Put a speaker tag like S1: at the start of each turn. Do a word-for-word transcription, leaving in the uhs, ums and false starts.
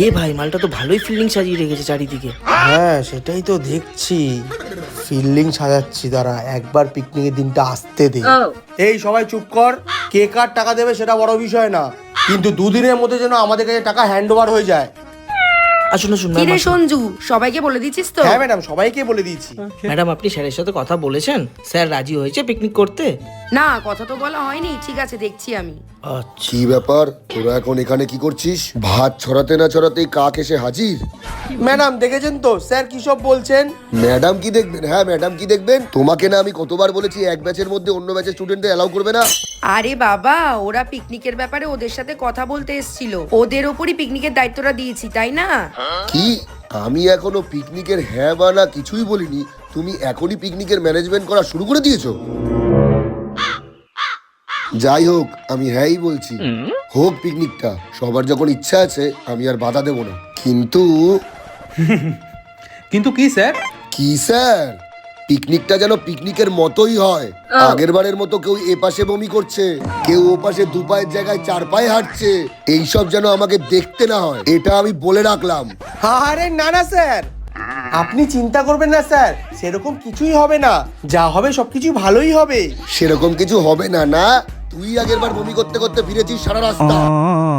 S1: এ ভাই মালটা তো ভালোই ফিল্ডিং সাজিয়ে রেখেছে চারিদিকে।
S2: হ্যাঁ সেটাই তো দেখছি, ফিল্ডিং সাজাচ্ছি, দাঁড়া একবার পিকনিকের দিনটা আসতে দে। এই সবাই চুপ কর, কে কার টাকা দেবে সেটা বড় বিষয় না, কিন্তু দুদিনের মধ্যে যেন আমাদের কাছে টাকা হ্যান্ড ওভার হয়ে যায়।
S1: আসুন আসুন
S3: কি
S1: ম্যাম
S3: রে
S1: আসুন।
S3: সঞ্জু, সবাইকে বলে দিচ্ছিস তো?
S2: হ্যাঁ ম্যাডাম, সবাইকে বলে দিয়েছি।
S1: ম্যাডাম আপনি স্যারের সাথে কথা বলেছেন? স্যার রাজি হয়েছে পিকনিক করতে?
S3: না, কথা তো বলা হয়নি। ঠিক আছে, দেখছি আমি।
S1: আচ্ছা
S4: কি ব্যাপার, তোরা এখন এখানে কি করছিস? ভাত ছড়াতে না ছড়াতেই কাক এসে হাজির।
S2: ম্যাডাম দেখেছেন তো স্যার কি সব বলছেন।
S4: ম্যাডাম কি দেখবেন? হ্যাঁ ম্যাডাম কি দেখবেন? তোমাকে না আমি কতবার বলেছি এক ব্যাচের মধ্যে অন্য ব্যাচের স্টুডেন্টদের অ্যালাউ করবে না।
S3: আরে বাবা, ওরা পিকনিকের ব্যাপারে ওদের সাথে কথা বলতে এসেছিল, ওদের ওপরই পিকনিকের দায়িত্বটা দিয়েছি, তাই না?
S4: কি? আমি এখনো পিকনিকের হ্যাঁ বা না কিছুই বলিনি, তুমি এখনই পিকনিকের ম্যানেজমেন্ট করা শুরু করে দিয়েছো? যাই হোক, আমি হ্যাঁই বলছি, হোক পিকনিকটা। সবার যখন ইচ্ছা আছে আমি আর বাধা দেব না। কিন্তু
S5: কিন্তু কি স্যার?
S4: কি স্যার? পিকনিকটা যেন পিকনিকের মতোই হয়। আগের বারের মতো কেউ এ পাশে বমি করছে, কেউ ও পাশে দু পায়ের জায়গায় চার পায়ে হাঁটছে, এইসব যেন আমাকে দেখতে না হয়, এটা আমি বলে রাখলাম।
S2: আরে না না স্যার, আপনি চিন্তা করবেন না স্যার, সেরকম কিছুই হবে না, যা হবে সবকিছু ভালোই হবে।
S4: সেরকম কিছু হবে না? না, তুই আগের বার বমি করতে করতে ফিরেছিস সারা রাস্তা।